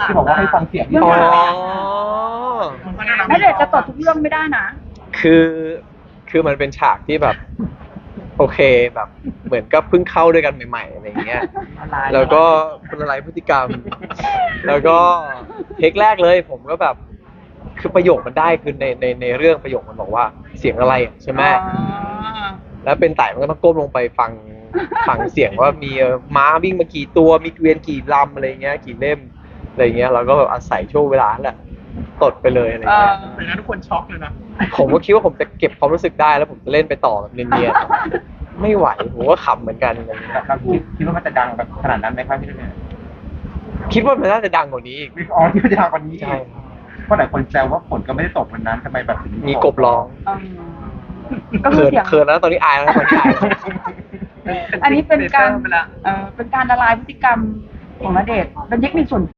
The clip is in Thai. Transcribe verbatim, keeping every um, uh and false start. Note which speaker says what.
Speaker 1: ที่บอกว่าให้ฟังเสียง
Speaker 2: อ๋อ
Speaker 3: ณเดชน์จะตดทุกเรื่องไม่ได้นะ
Speaker 2: คือคือมันเป็นฉากที่แบบ โอเคแบบเหมือนกับเพิ่งเข้าด้วยกันใหม่ๆอะไรอย่างเงี้ยแล้วก็เป็นอะไรพฤติกรรม แล้วก็เทคแรกเลยผมก็แบบคือประโยคมันได้คือในในในเรื่องประโยคมันบอกว่าเสียงอะไรอะใช่ไหม แล้วเป็นไต่มันก็ต้องก้มลงไปฟังฟังเสียงว่ามีเอ่อม้าวิ่งมากี่ตัวมีเกวียนกี่ลำอะไรเงี้ยกี่เล่มอะไรเงี้ยเราก็แบบอาศัยช่วงเวลานั่นแหละตดไปเลยอะไรเงี้ย
Speaker 1: เป็นงั้นทุกคนช็อกเลยนะ
Speaker 2: ผมก็คิดว่าผมจะเก็บความรู้สึกได้แล้วผมจะเล่นไปต่อแบบเนียนๆไม่ไหวผมก็ขำเหมือนกันอะไรเงี้ย
Speaker 1: ครับคิดคิดว่ามันจะดังแบบขนาดนั้นไหมครับพี่เนี่ย
Speaker 2: คิดว่ามันน่าจะดังกว่านี้อีก
Speaker 1: อ๋อที่มันจะดังกว่านี้
Speaker 2: ใช่
Speaker 1: เพราะหลายคนแซวว่าฝนก็ไม่ได้ตกวันนั้นทำไมแบบถึง
Speaker 2: มีกบร้อง
Speaker 3: ก็คือ
Speaker 2: เขิน
Speaker 3: เสียง
Speaker 2: เขินแล้วตอนนี้อายแล้วตอนนี้อายแล้ว
Speaker 3: อันนี้เป็นการเอ่อเป็นการละลายพฤติกรรมของณเดชน์เป็นเทคนิคส่วน